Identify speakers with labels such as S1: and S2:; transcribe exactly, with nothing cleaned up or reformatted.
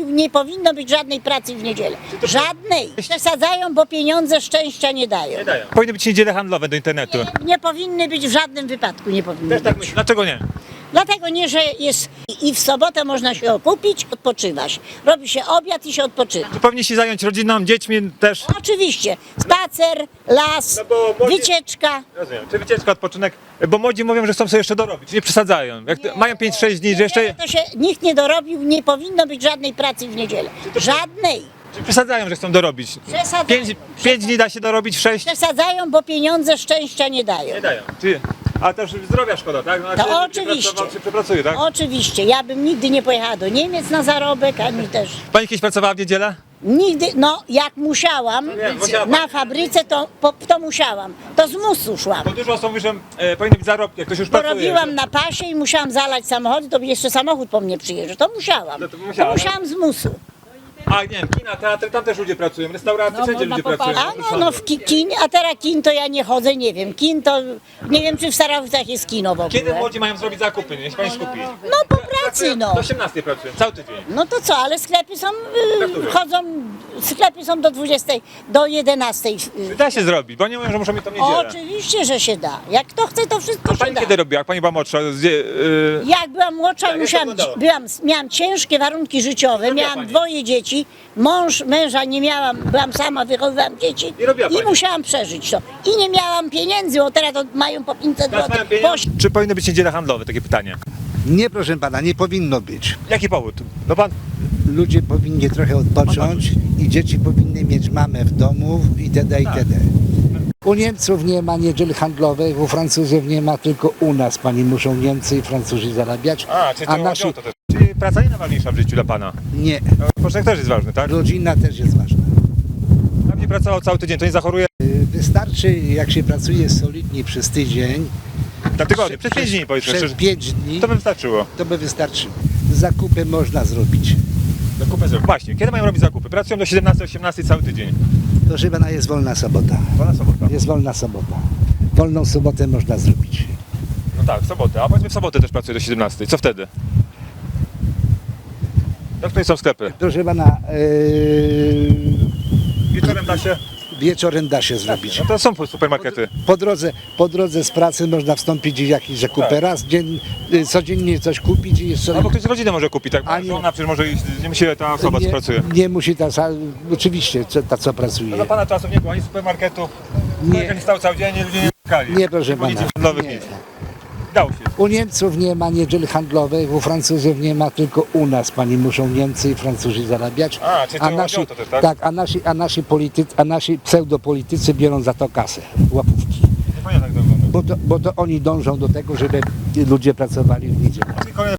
S1: dorobił, nie powinno być żadnej pracy w niedzielę. Żadnej. Przesadzają, bo pieniądze szczęścia nie dają.
S2: Nie dają. Powinny być niedziele handlowe do internetu.
S1: Nie, nie powinny być w żadnym wypadku, nie powinny
S2: Też tak
S1: być.
S2: myślę. Dlaczego nie?
S1: Dlatego nie, że jest i w sobotę można się okupić, odpoczywać. Robi się obiad i się odpoczywa.
S2: Tu powinni się zająć rodziną, dziećmi też.
S1: Oczywiście, spacer, las,
S2: No bo młodzi-
S1: wycieczka.
S2: Rozumiem. Czy wycieczka, odpoczynek? Bo młodzi mówią, że chcą sobie jeszcze dorobić, nie przesadzają. Jak to, mają pięć sześć dni, że jeszcze...
S1: To się nikt nie dorobił, nie powinno być żadnej pracy w niedzielę. Żadnej.
S2: Czy przesadzają, że chcą dorobić?
S1: Przesadzają.
S2: Pięć, pięć dni da się dorobić, w sześć?
S1: Przesadzają, bo pieniądze szczęścia nie dają.
S2: Nie dają. Czy, a też zdrowia szkoda, tak? No,
S1: To
S2: czy- czy
S1: oczywiście.
S2: pracował, Czy przepracuje, tak?
S1: Oczywiście, ja bym nigdy nie pojechała do Niemiec na zarobek, ani też.
S2: Pani kiedyś pracowała w niedzielę?
S1: Nigdy, no jak musiałam,
S2: nie, musiała
S1: na
S2: pani.
S1: fabryce to, po, to musiałam. To z musu szłam.
S2: Bo dużo osób mówi, że e, powinny być zarobki, jak ktoś już
S1: Bo
S2: pracuje.
S1: robiłam
S2: że-
S1: na pasie i musiałam zalać samochody, to jeszcze samochód po mnie przyjeżdżał. To musiałam.
S2: No to musiała,
S1: to musiałam z musu.
S2: A nie wiem, kina, teatry, tam też ludzie pracują, restauracje,
S3: No,
S2: wszędzie
S3: można
S2: ludzie pracują.
S1: A no, no w ki, kin, a teraz kin to ja nie chodzę, nie wiem. Kin to, nie wiem czy w Starowicach jest kino w ogóle.
S2: Kiedy młodzi mają zrobić zakupy, niech pani skupi.
S1: No po pracy no.
S2: Do osiemnastej pracują, cały tydzień.
S1: No to co, ale sklepy są, y, chodzą, sklepy są do dwudziestej, do jedenastej. y.
S2: Da się zrobić, bo nie mówią, że muszą mieć tą niedzielę.
S1: Oczywiście, że się da. Jak kto chce, to wszystko
S2: A
S1: się
S2: pani
S1: da.
S2: kiedy robiła, jak pani była młodsza? Gdzie, yy...
S1: Jak byłam młodsza,
S2: Jak to
S1: musiałam,
S2: wyglądało?
S1: byłam, miałam ciężkie warunki życiowe,
S2: robiła
S1: miałam
S2: pani?
S1: dwoje dzieci, mąż, męża nie miałam, byłam sama, wychowywałam dzieci
S2: I robiła pani?
S1: musiałam przeżyć to. I nie miałam pieniędzy, bo teraz to mają po pięćset
S2: Teraz mają
S1: złotych.
S2: pieniądze? Czy powinny być niedziele handlowe? Takie pytanie.
S4: Nie, proszę pana, nie powinno być.
S2: Jaki powód? No pan...
S4: Ludzie powinni trochę odpocząć i dzieci powinny mieć mamę w domu itd. itd. U Niemców nie ma niedziel handlowych, u Francuzów nie ma, tylko u nas pani muszą Niemcy i Francuzi zarabiać.
S2: A, czyli to,
S4: A
S2: chodzi
S4: nasi
S2: o to też. Czyli praca nie najważniejsza w życiu dla pana.
S4: nie.
S2: No, Odpoczynek też jest ważny, tak?
S4: Rodzina też jest ważna.
S2: Tam nie pracował cały tydzień, to nie zachoruje
S4: Y, Wystarczy, jak się pracuje solidnie przez tydzień,
S2: na tygodniu, przez pięć dni powiedzmy.
S4: przez
S2: Przez...
S4: pięć dni,
S2: To by wystarczyło.
S4: to by wystarczyło. Zakupy można zrobić.
S2: Zakupy zrobić. Właśnie, kiedy mają robić zakupy? Pracują do siedemnastej osiemnastej cały tydzień.
S4: Proszę pana, jest wolna sobota.
S2: Wolna sobota.
S4: Jest wolna sobota. Wolną sobotę można zrobić.
S2: No tak, w sobotę. A powiedzmy w sobotę też pracuje do siedemnastej. Co wtedy? Jak tutaj są sklepy?
S4: Proszę pana, yy,
S2: Wieczorem da się.
S4: wieczorem da się zrobić.
S2: No to są supermarkety.
S4: Po drodze, po drodze z pracy można wstąpić i jakieś zakupy.
S2: Tak.
S4: Raz dzień, y, codziennie coś kupić i jeszcze...
S2: Albo ktoś z rodziny może kupić, tak?
S4: A nie.
S2: Żona przecież może iść, nie musi ta osoba, co
S4: nie,
S2: pracuje.
S4: nie musi ta, sa- oczywiście co- ta co
S2: No
S4: pracuje.
S2: za pana czasów nie było ani supermarketu,
S4: Nie.
S2: nie stał cały dzień, ludzie nie szukali.
S4: Nie, proszę
S2: Policji
S4: pana.
S2: handlowych
S4: Nie.
S2: nic. Dało się.
S4: U Niemców nie ma niedziel handlowych, u Francuzów nie ma, tylko u nas pani muszą Niemcy i Francuzi zarabiać.
S2: A, czyli to chodzi
S4: nasi,
S2: o to też, tak?
S4: a nasi, a nasi politycy, a nasi pseudopolitycy biorą za to kasę, łapówki.
S2: Nie pamiętam jak to wygląda.
S4: Bo to, bo to oni dążą do tego, żeby ludzie pracowali w niedzielę.